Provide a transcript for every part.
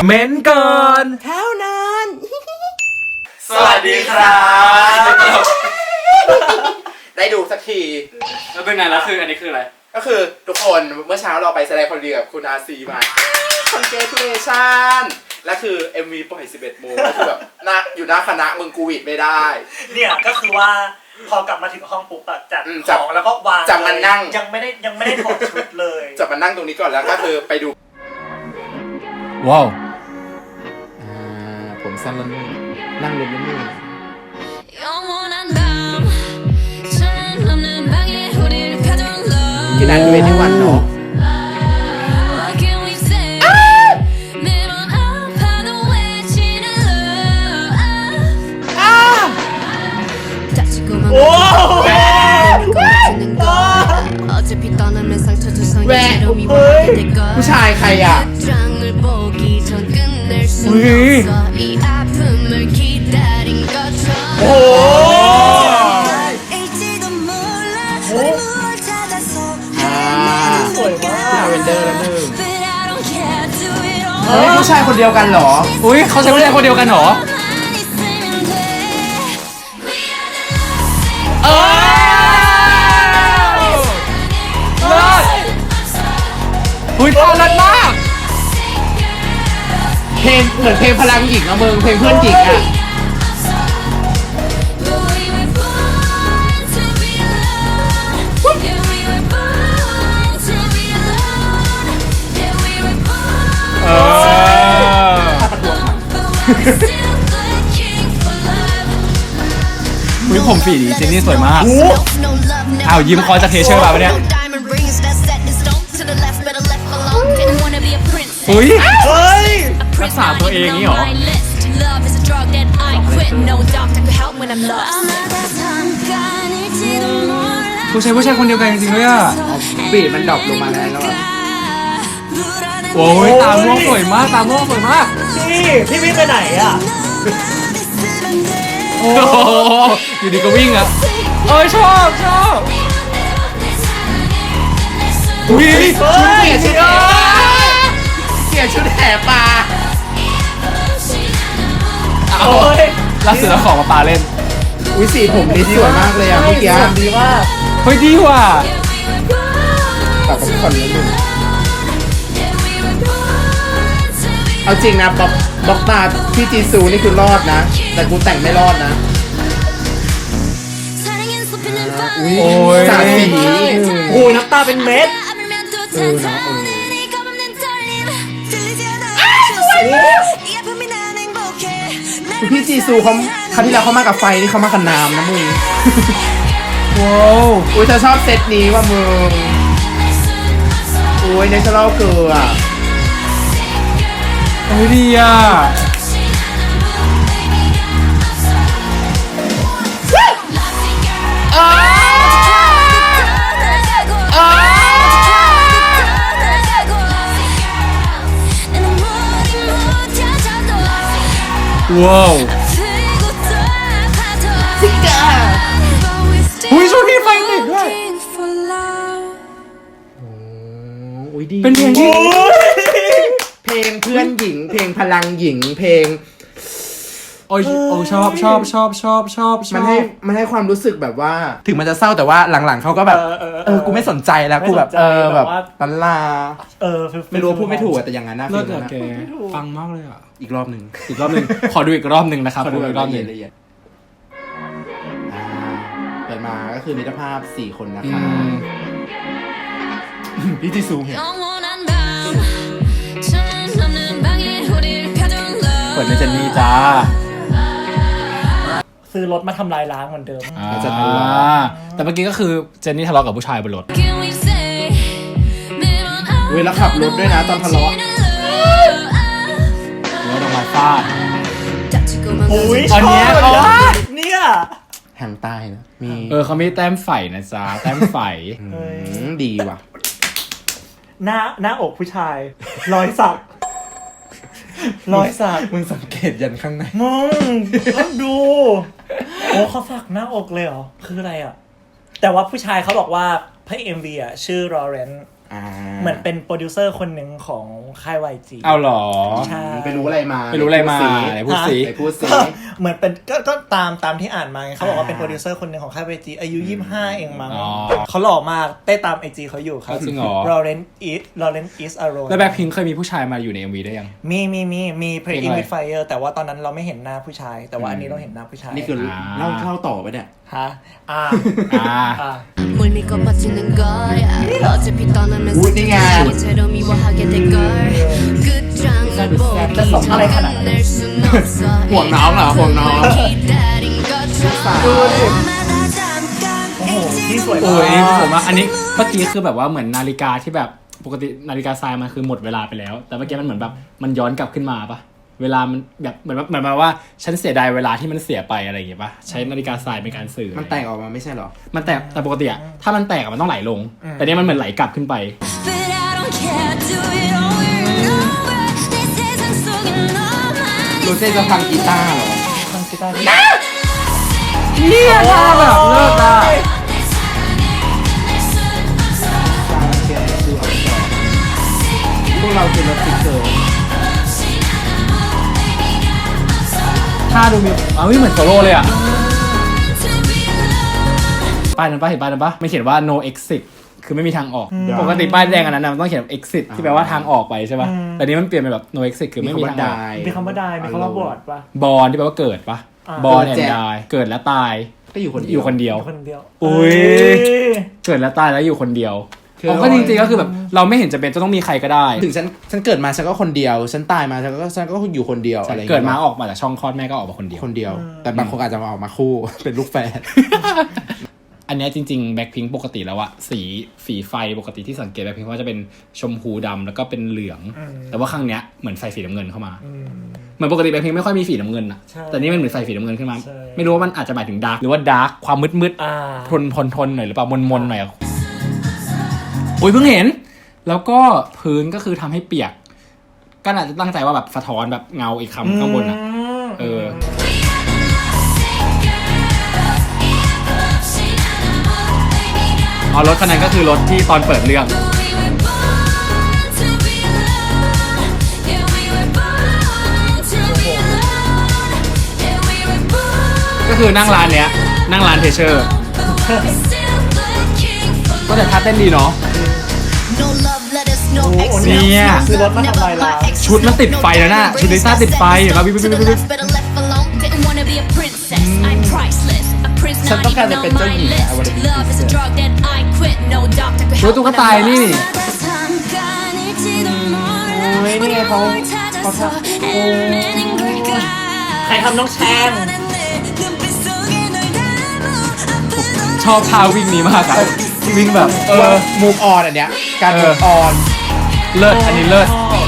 เม้นก่อนเท่านั้นสวัสดีครับได้ดูสักทีแล้วเป็นไงแล้วคืออันนี้คืออะไรก็คือทุกคนเมื่อเช้าเราไปแสดงคอนเสิร์ตกับคุณอาซีมา Congratulation และคือ MV ปล่อย 11 โมงก็คือแบบอยู่หน้าคณะมึงกูวิดไม่ได้เนี่ยก็คือว่าพอกลับมาถึงห้องปุ๊บอะจัดของแล้วก็วางจับมันนั่งยังไม่ได้ถอดชุดเลยจับมันนั่งตรงนี้ก่อนแล้วก็คือไปดูว้าวผมสั้นแล้วนี่นั่งลงแล้วนี่กินอันเวทีวันเนาะโอ้แหวผู้ชายใครอ่ะโอ้สวยมากเวนเดอร์แล้วหนึ่งเฮ้ยผู้ชายคนเดียวกันเหรออุ้ยเขาใช้ผู้ชายคนเดียวกันเหรออุ้ยท่ารัดมากเพลงเหมือนเพลงพลังหญิงอะมึงเพลงเพื่อนหญิงอะอุ้ยผมฝีดีเจนนี่สวยมากอ้าวยิ้มคอจะเทเชอร์มาปะเนี่ยอุ้ยรักษาตัวเองนี่หรอผู้ชายคนเดียวกันจริงๆเลยอ่ะบีดมันดรอปลงมาแล้วอะโอ้ยตาม่วงสวยมากตาม่วงสวยมากพี่วิ่งไปไหนอ่ะโอ้อยู่ดีก็วิ่งอ่ะเอ้ยชอบอุ้ยชุดเปลี่ยนชุดเปลี่ยนชุดแห่ปลาเอาล่าสุดแล้วของมาปาเล่นอุ้ยสีผมนี่สวยมากเลยอ่ะเมื่อกี้ดีมากเฮ้ยดีว่ะตัดกับก่อนนิดนึงเอาจริงนะบล็อกตาพี่จีซูนี่คือรอดนะแต่กูแต่งไม่รอดนะโอ้ยสาสีโอ้ยน้ำตาเป็นเม็ดพี่จีซูเขาครั้งที่แล้วเขามากับไฟนี่เขามากับน้ำนะมึงว้าวอุ้ยเธอชอบเซตนี้ว่ะมึงอุ้ยเนเชอรัลเกลือโอ้ยดีอ่ะว้าวซิก้าอุ้ยช่วงนี้ไฟติดด้วยอุ้ยดีเป็นเพลงที่เพลงเพื่อนหญิงเพลงพลังหญิงเพลงโอ้ยโอ้ชอบมันให้ความรู้สึกแบบว่าถึงมันจะเศร้าแต่ว่าหลังๆเขาก็แบบกูไม่สนใจแล้วกูแบบแบบตันลาไม่รู้พูดไม่ถูกแต่อย่างนั้นนะเลิศอะแกฟังมากเลยอ่ะอีกรอบหนึ่งขอดูอีกรอบหนึ่งนะครับขอดูอีกรอบหนึ่งเปิดมาก็คือมิตรภาพ4 คนนะคะพี่จีซูเห็นเปิดในเจนนี่จ้าซื้อรถมาทำลายล้างเหมือนเดิมแต่เมื่อกี้ก็คือเจนนี่ทะเลาะกับผู้ชายบนรถแล้วขับรถด้วยนะตอนทะเลาะแล้วโดนมาฟาดอุ้ยอันนี้เนี่ยแหงใต้นะมีเขามีแต้มไฝนะจ๊ะแต้มไฝดีว่ะหน้าอกผู้ชายรอยสักมึงสังเกตยันข้างในมึงดูโอ้เขาสักหน้าอกเลยเหรอคืออะไรอ่ะแต่ว่าผู้ชายเขาบอกว่าพระเอ็มวีอ่ะชื่อลอเรนซ์เหมือนเป็นโปรดิวเซอร์คนหนึ่งของค่าย YG เอาหรอใช่ไปรู้อะไรมาไปรู้อะไรมาไหนพูดสิไปพูดสิเหมือนเป็นก็ตามที่อ่านมาไงเขาบอกว่าเป็นโปรดิวเซอร์คนหนึ่งของค่าย YG อายุ 25 เองมั้งอ๋อเขาหล่อมากเต้ตาม IG เขาอยู่ครับจริงเหรอ Lawrence is Alone แล้วแบ็คพิงค์เคยมีผู้ชายมาอยู่ใน MV ได้ยังมีเพลง Playing อะไร with Fire แต่ว่าตอนนั้นเราไม่เห็นหน้าผู้ชาย แต่ว่าอันนี้เราเห็นหน้าผู้ชายนี่คือเล่าต่อไปเนี่ยฮะ 뭘 믿고 버티는 거야 어차피 떠나면 우리가 상처로 미워하게 될걸 끝장을 보기 전에 끝낼 순 없어 ห่วงน้องเหรอห่วงน้อง 기다린 것처럼 날마다 잠깐 โอ้โหนี่สวยโอ้มายนี่ผกมว่าอันนี้เมื่อกี้คือแบบว่าเหมือนนาฬิกาที่แบบปกตินาฬิกาทรายมันคือหมดเวลาไปแล้ว แต่เมื่อกี้มันเหมือนแบบมันย้อนกลับขึ้นมาปะเวลามันแบบเหมือนมาว่าฉันเสียดายเวลาที่มันเสียไปอะไรอย่างเงี้ยปะใช้นาฬิกาทรายเป็นการสื่อมันแตกออกมาไม่ใช่เหรอมันแตกแต่ปกติอะถ้ามันแตกอะมันต้องไหลลง แต่เนี้ยมันเหมือนไหลกลับขึ้นไป But I don't care do it over and over 내 세상 속에 너만 ดูเซ่จะพังกีตาร์เหรอทางกีตาร์ที่เนี่ยท่าแบบเลิศอะพวกเราคือรถติ๊กเกอร์ท่าดูมีเหมือนโซโล่เลยอะป้ายนั้นปะเห็นป้ายนั้นปะไม่เขียนว่า no exit คือไม่มีทางออก ปกติป้ายแดงอันนั้นนะมันต้องเขียน exit ที่แปลว่าทางออกไปใช่ปะแต่นี้มันเปลี่ยนเป็นแบบ no exit คือไม่มีทางออกมีคำว่าได้มีคำว่าบอดปะบอลที่แปลว่าเกิดปะบอลแอนด์ดายเกิดและตายก็อยู่คนอยู่คนเดียวคนเดียวอุ๊ย เกิดและตายแล้วอยู่คนเดียวผมก็จริงๆก็คือแบบเราไม่เห็นจะเป็นจะต้องมีใครก็ได้ถึงฉันเกิดมาฉันก็คนเดียว ฉันตายมาฉันก็อยู่คนเดียวอะไรเกิดมาออกมาจากช่องคลอดแม่ก็ออกมาคนเดียวคนเดียว แต่บางคนอาจจะมาออกมาคู่ เป็นลูกแฝดอันเนี้ยจริงๆแบ็คพิงค์ปกติแล้วอะสีไฟปกติที่สังเกตแบ็คพิงค์ว่าจะเป็นชมพูดำแล้วก็เป็นเหลือง แต่ว่าครั้งเนี้ยเหมือนใส่สีน้ำเงินเข้ามาเหมือนปกติแบ็คพิงค์ไม่ค่อยมีสีน้ำเงินอะแต่นี่มันเหมือนใส่สีน้ำเงินขึ้นมาไม่รู้ว่ามันอาจจะหมายถึงดาร์กหรือว่าดาร์กความมืดๆทนหน่อยหรือเปล่ามนหน่อยอุ้ยเพิ่งเห็นแล้วก็พื้นก็คือทำให้เปียกก็อาจจะตั้งใจว่าแบบสะท้อนแบบเงาอีกคำข้างบนอะรถคันนั้นก็คือรถที่ตอนเปิดเรื่องก็คือนั่งร้านเนี้ยนั่งร้านเทเชอร์ก็แต่ท่าเต้นดีเนาะเนี่ยซื้อรถมาทำลายล้างชุดมันติดไฟแล้วน่ะชุดลิซ่าติดไฟเห็นป่ะบิ๊บฉันต้องการจะเป็นเจ้าหญิงอะวันนี้รู้ตุ๊กตานี่นี่ไงเขาทำใครทำน้องแชมชอบท่าวิ่งนี้มากอะวิ่งแบบมูฟออนอันเนี้ยการมูฟออนเลิศอันนี้เลิศ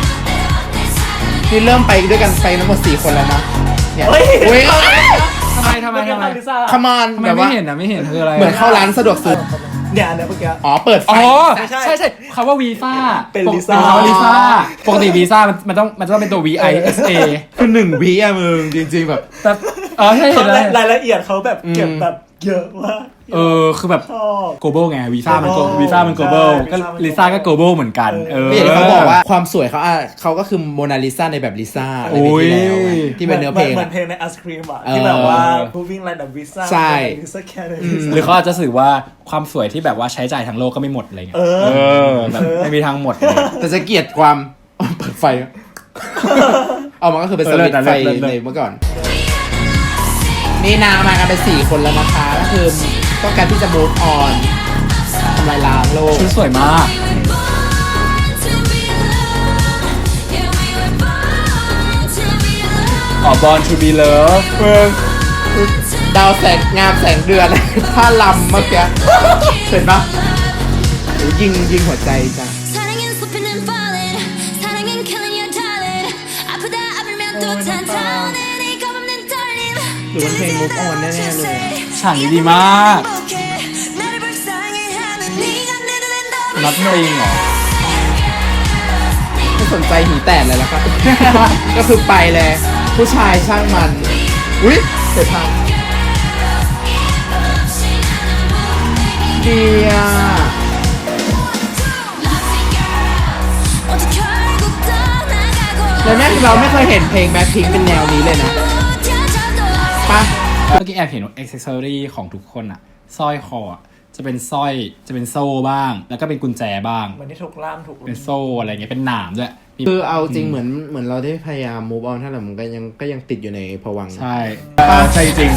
นี่เริ่มไปด้วยกันไปทั้งหมด4 คนแล้วนะเนี่ยเฮ้ยเว้ยทำไมลิซ่าคอมอนทำไมแบบไม่ว่าเห็นอะไม่เห็นคืออะไรเหมือนเข้าร้านสะดวกซื้อเนี่ยเมื่อกี้อ๋อเปิดไฟอ๋อไม่ใช่ใช่คำว่าวีซ่าเป็นลิซ่าคำว่าลิซ่าปกติวีซ่ามันต้องเป็นตัว VISA คือ1 วิอะมึงจริงๆแบบแต่ใช่เห็นเลยรายละเอียดเขาแบบเก็บแบบเยอะมากคือแบบชอบ global ไงวีซ่ามัน global วีซ่ามัน global ใช่ก็วีซ่ามันลิซ่าก็ global เหมือนกันไม่อย่างที่เขาบอกว่าความสวยเขาก็คือโมนาลิซาในแบบลิซ่าอะไรแบบที่แล้วไงที่เป็นเนื้อเพลงเหมือะอนเพลงในไอศครีมอ่ะที่แบบว่า moving like the visa ใช่ลิซ่าแค่หรือเขาอาจจะสื่อว่าความสวยที่แบบว่าใช้จ่ายทั้งโลกก็ไม่หมดอะไรเงี้ยแบบไม่มีทางหมดเลยแต่จะเกลียดความ เปิดไฟเอามันก็คือเป็นสวิตช์ไฟในเมื่อก่อน นี่นางมากันเป็น4 คนแล้วนะคะก็คือต้องการที่จะ move on ทำลายล้างโลกชุดสวยมากBorn to be loved ดาวแสงงามแสงเดือน ท่าลำเมื่อกี้เห็นปะโอ้ยิงหัวใจจ้ะหรือมันเพลง move on แน่ๆเลยฉากนี้ดีมากนัดเพลงเหรอไม่สนใจหีแตกเลยแล้วครับ ก็คือไปเลยผู้ชายช่างมันอุ๊ยเสร็จทางดีอ่ะเราไม่เคยเห็นเพลงแบ็คพิงเป็นแนวนี้เลยนะปะเมื่อกี้แอบเห็นอ็อกเซสซอรี่ของทุกคนอะสร้อยคออะจะเป็นสร้อยจะเป็นโซ่บ้าง แล้วก็เป็นกุญแจบ้างเหมือนที่ถูกล่ามถูกเป็นโซ่อะไรเงี้ยเป็นหนามด้วยมีคือเอาจริงเหมือนเราได้พยายาม move on ถ้าแต่มันก็ยังติดอยู่ในภวังค์ใช่ใช่จริง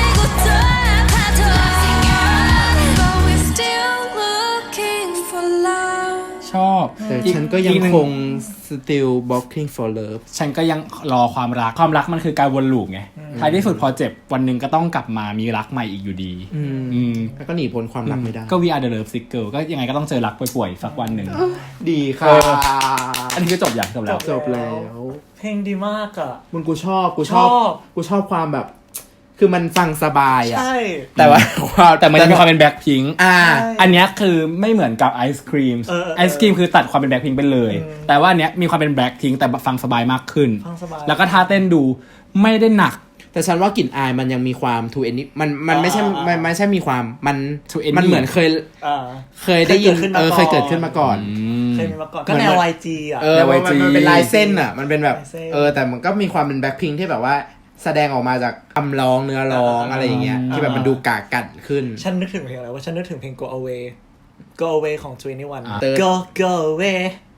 ชอบแต่ฉันก็ยังคง still blocking for love ฉันก็ยังรอความรักมันคือการวนลูปไงท้ายที่สุดพอเจ็บวันหนึ่งก็ต้องกลับมามีรักใหม่อีกอยู่ดีมแล้วก็หนีพ้นความรักไม่ได้ก็ We Are the Love Sick Girl ก็ยังไงก็ต้องเจอรักป่วยๆสักวันหนึ่งดีค่ะอันนี้คือจบอย่างจบแล้วจบแล้วเพลงดีมากอ่ะมึงกูชอบความแบบ คือมันฟังสบายอ่ะใช่แต่ว่าแต่มันจะมีความเป็นแบ็คพิงค์อ่าอันเนี้ยคือไม่เหมือนกับไอศครีมไอศครีมคือตัดความเป็นแบ็คพิงค์ไปเลย แต่ว่าอันเนี้ยมีความเป็นแบ็คพิงค์แต่ฟังสบายมากขึ้นฟังสบายแล้วก็ท่าเต้นดูไม่ได้หนักแต่ฉันว่ากลิ่นอายมันยังมีความ to any มันไม่ใช่มันไม่ใช่มีความมัน to any มันเหมือนเคยได้ยินเคยเกิดขึ้นมาก่อนเคยมีมาก่อนก็แนว YG อ่ะใน YG มันเป็นลายเส้นอ่ะมันเป็นแบบลายเส้นแต่มันก็มีความเป็นแบ็คพิงที่แบบว่าแสดงออกมาจากคำร้องเนื้อร้องอะไรอย่างเงี้ยที่แบบมันดูกากัดขึ้นฉันนึกถึงเพลงอะไรว่าฉันนึกถึงเพลง Go Away Go Away ของ 21 Third Go Away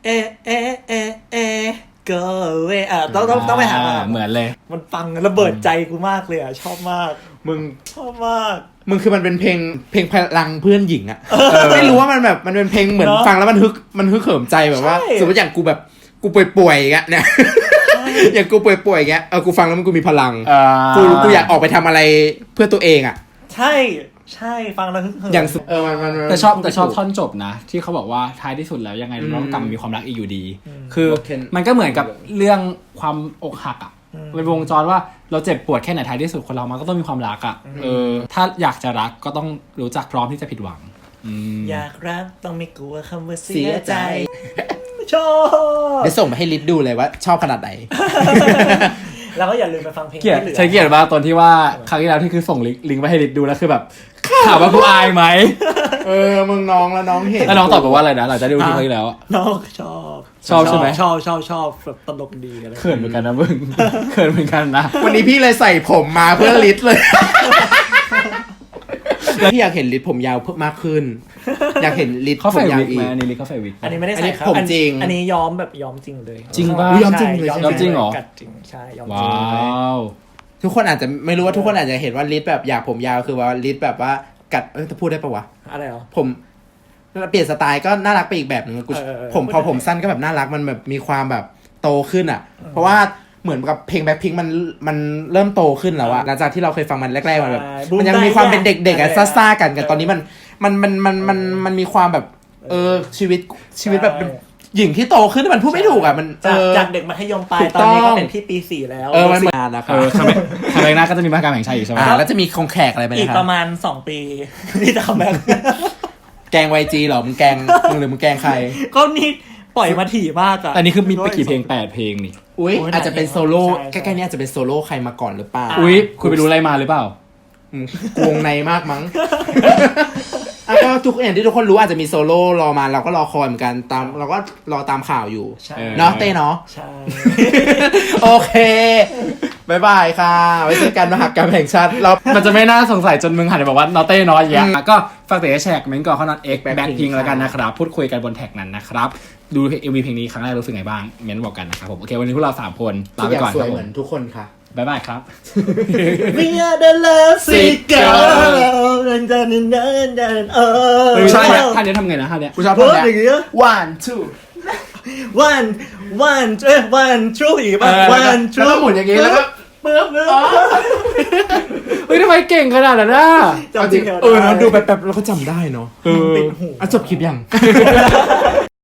Go Away ต้องไปหามาเหมือนเลยมันฟังระเบิดใจกูมากเลยอ่ะชอบมากมึงชอบมากคือมันเป็นเพลงพลังเพื่อนหญิงอะไม่รู้ว่ามันแบบมันเป็นเพลงเหมือนเนอะฟังแล้วมันฮึกเหิมใจแบบว่าใช่สมมติอย่างกูแบบกูป่วยๆอย่างเงี้ยเนี่ย อย่างกูป่วยๆอย่างเงี้ยกูฟังแล้วมันกูมีพลังกูอยากออกไปทำอะไรเพื่อตัวเองอะใช่ฟังแล้วฮึกเหิมอย่างมันแต่ชอบท่อนจบนะ ที่เขาบอกว่าท้ายที่สุดแล้วยังไงเราต้องกลับมามีความรักอีกอยู่ดี คือมันก็เหมือนกับเรื่องความอกหักอ่ะเป็นวงจรว่าเราเจ็บปวดแค่ไหนท้ายที่สุดคนเรามันก็ต้องมีความรักอ่ะถ้าอยากจะรักก็ต้องรู้จักพร้อมที่จะผิดหวังอยากรักต้องไม่กลัวคำว่าเสีเสียยใจใจชอบเดี๋ยวส่งไปให้ลิศดูเลยว่าชอบขนาดไหนแล้วก็อย่าลืมไปฟังเพลงเกลียดที่เหลือใช้เกลียดมากตอนที่ว่าครั้งที่แล้วที่คือส่งลิงก์ไปให้ลิศดูแล้วคือแบบถามว่ากูอายไหมมึงน้องแล้วน้องเห็นแล้วน้องตอบมาว่าอะไรนะหลังจากได้ดูที่ครั้งที่แล้วอะน้องชอบชอบใช่ไหมชอบแบบตลกดีกันเลยเขินเหมือนกันนะมึง เขินเหมือนกันนะวันนี้พี่เลยใส่ผมมาเพื่อลิศเลย พี่อยากเห็นลิศผมยาวเพิ่มมากขึ้น อยากเห็นลิศเขาผใส่มยาววิกอีไหมกอันนี้ลิศเขาใส่วิกอันนี้ไม่ได้อันนี้ใส่ครับผมจริงอันนี้ย้อมแบบย้อมจริงเลยจริงป่ะย้อมจริงเลยใช่ย้อมจริงเหรอกัดจริงใช่ย้อมจว้ริงเลยาวทุกคนอาจจะไม่รู้ว่าทุกคนอาจจะเห็นว่าลิศแบบอยากผมยาวคือว่าลิศแบบว่ากัดจะพูดได้ปะวะอะไรเหรอผมเปลี่ยนสไตล์ก็น่ารักไปอีกแบบหนึ่งกู ผมพอผมสั้นก็แบบน่ารักมันแบบมีความแบบโตขึ้นอ่ะ เพราะว่าเหมือนกับเพลงแบ็คพิงมันเริ่มโตขึ้นแล้วอะหลังจากที่เราเคยฟังมันแรกๆมันแบบมันยังมีความเป็นเด็กๆอะซ่าๆกันตอนนี้มันมีความแบบชีวิตแบบหญิงที่โตขึ้นมันพูดไม่ถูกอะมันจากเด็กมัธยมปลายถูกตอนนี้ต้ก็องเป็นพี่ปี 4 แล้วมันมานะคะทำไมหน้าก็จะมีมหกรรมแห่งชาติอีกใช่ไหมแล้วจะมีคงแขกอะไรไปอีกนะประมาณ 2 ปีที่จะคัมแบ็คแกง YG เหรอมึงแกงหรือมึงแกงใครก็นี่ปล่อยมาถี่มากอะแต่นี่คือมีไปกี่เพลง8เพลงนี่อุ้ยโอ้ยอาจจะเป็นโซโล่ใช่ใกล้ๆนี้อาจจะเป็นโซโล่ใครมาก่อนหรือเปล่าอุ๊ยคุณไปรู้อะไรมาหรือเปล่าวงในมากมั้ง ก็ทุกอย่างที่ทุกคนรู้อาจจะมีโซโล่รอมาเราก็รอคอยเหมือนกันเราก็รอตามข่าวอยู่ใช่เนาะเต้เนาะใช่โอเคบายบายค่ะ ไว้เจอกันมหกรรมแห่งชาติเรามันจะไม่น่าสงสัยจนมึงหันไปบอกว่านอเต้น้อยแยะก็ฝากเตะแชร์เมนต์ก่อนเขานอตเอ็กแบ็คพิงแล้วกันนะครับ พูดคุยกันบนแท็กนั้นนะครับ ดูเอ็มวีเพลงนี้ครั้งแรกรู้สึกไงบ้างเมนต์บอกกันนะครับผมโอเควันนี้พวกเรา3คนลาทุกไปอย่างก่อนสควยรับผเหมืมอนทุกคนค่ะบ๊ายบายครับ We are the love sick girl ไม่ใช่เนี่ยท่านี้ทำไงนะท่านี้กูชอบเพิ่ท่อนมเนี้อย่างเงี้ย one two one true อีกป่ะ one แล้ว true ก็หมุนอย่างงี้แล้วก็ปึ๊บเฮ้ยทำไมเก่งขนาดนั้นอ่ะจำจริงเหรอเนาะดูแบบเราก็จำได้เนาะติดหูจบคลิปยัง